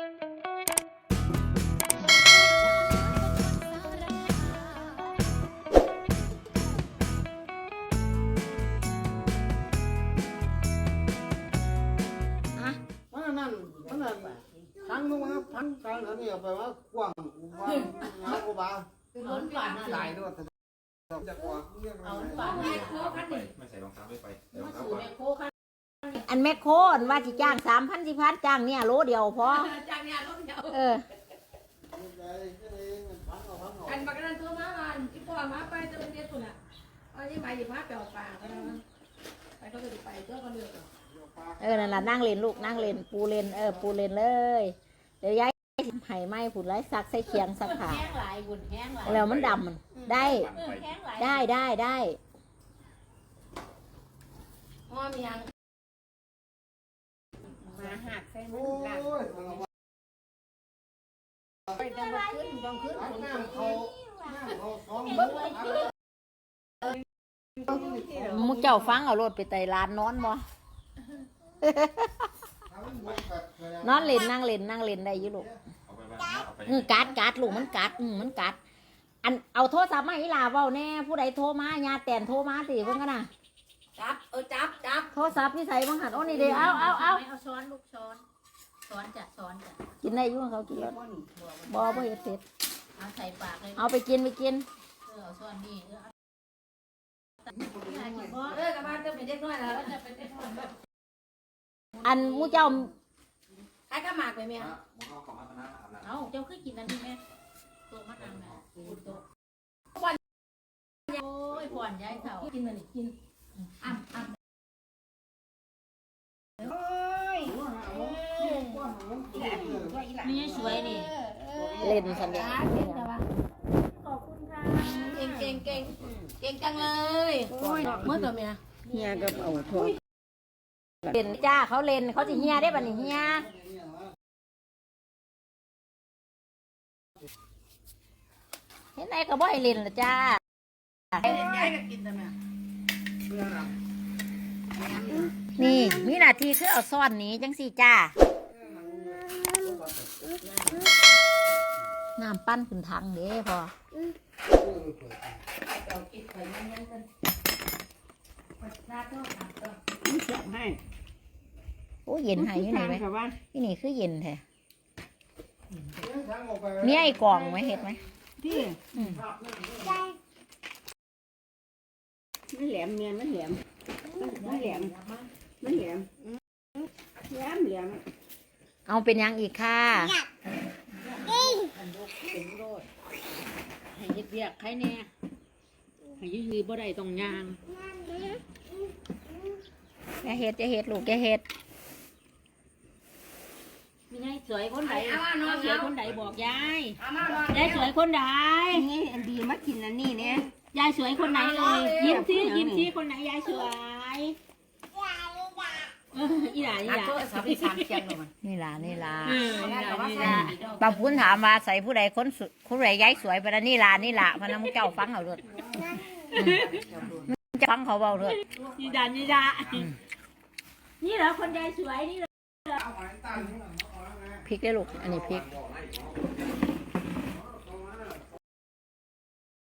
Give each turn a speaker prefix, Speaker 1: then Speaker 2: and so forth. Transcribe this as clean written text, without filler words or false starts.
Speaker 1: ทั้งนู้นทั้งกลางอันนี้ไปว่ากว้างว่าหากูบ้า
Speaker 2: เอาฝัน
Speaker 1: หลายด้วยจะกว่า
Speaker 2: เอาฝันแม่โคคันนี่
Speaker 3: ไม่ใส่รองเท้าไม่ไป
Speaker 2: มาสู่แม่โคคัน
Speaker 4: อันแม่โคอันว่าสิจ้าง3,000 4,000จ้างเนี่ยโลเดียวพอ
Speaker 2: จ้างเนี่ยรถเดียวอันบักนั้นตัวมาบ้านที่พ่อมาไปจะเป็นเด็กคนน่ะอันนี้ไปอยู่มาเปล่าป่าก็ได้ไปก็จะไปเจ้าก็เลือก
Speaker 4: นั่นล่ะนั่งเล่นลูกนั่งเล่นปูเล่นปูเล่นเลยเดี๋ยวยายไห้ไหม้ผุดไรซักใส่เคียงซักผ้า
Speaker 2: แห้งหลายบุญแห้งหลาย
Speaker 4: แล้วมันดำมันได้
Speaker 2: พ่อมียังมาหักใส่มือหลังไปต้องขึ้น
Speaker 4: มุกเจ้าฟังเอารถไปไต่ร้านนอนบ่นอนเล่นนั่งเล่นได้อยู่ลูกกัดลูกมันกัดอันเอาโทรศัพท์มาอีหลาเว้าแน่ผู้ใดโทรมาญาแต่นโทรมาสิเพิ่นกันน่ะ
Speaker 2: จับ
Speaker 4: โทรศัพท์นี่ใส่บังหันโอ้นี่เด้เอา
Speaker 2: ช้อนลูกช้อนจ้ะ
Speaker 4: กินได้อยู่เขากินแล้วบ่เฮ็ดเสร็จ
Speaker 2: เอาใส่ปากเลย
Speaker 4: เอาไปกิน
Speaker 2: เอาช้อนนี่กลับบ้านจะเป็นเด็กน้อยแล้วจะเป็นเด็กน้อย
Speaker 4: อันมูเจ้า
Speaker 2: ใครก็หมากไปไหม
Speaker 3: เอา
Speaker 2: เจ้าคือกินนั่นใช่ไหมตัวมะนาวนะผ่อนโอ้ยผ่อนย้ายเสากินมันกินนี่สวยนี่
Speaker 4: เล่นสัญญา
Speaker 2: ขอบคุณค่ะเก่งจังเลยเมื่อตัวเมีย
Speaker 4: เฮียก็เอาทั่วเล่นจ้าเขาเล่นเขาจะเฮียได้ป่ะนี่เฮียเห็นไหนก็บ่ให้เล่นละจ้านี่มีหน้าที่คือเอาซ่อนนี้จังสิจ้าน้ำปั้นขึ้นทางเด้พอโอ้เย็นหายอยู่ไหนไหมที่นี่คือเย็นแท้มีไอ้กล่องไหมเห็ดไหม
Speaker 2: พี่มันแหลมเมียนมันแหลม
Speaker 4: เอาเป็นยังอีกค่ะ
Speaker 2: ให้เรียกใครแน่ให้ยืดบ่ได้ตรงยาง
Speaker 4: จะเห็ดลูกจะเห็ด
Speaker 2: มีไงสวยคนใดสวยคนใดบอกยายสวยคนใด
Speaker 4: นี่อันดีมากินอันนี้เนี่ย
Speaker 2: ยายสวยคนไหนเลยยิ้มซิคนไหนยายสวยอีหลา
Speaker 4: นี่ล่ะบางพูนถามว่าใส่ผู้ใดคนใดย้ายสวยไปแล้วนี่ล่ะพนักเจ้าฟังเขาเลยจะฟังเขาเบาเลย
Speaker 2: นี่ดานี่เหรอคนยายสวยนี่เหรอ
Speaker 4: พริกได้ลูกอันนี้พริก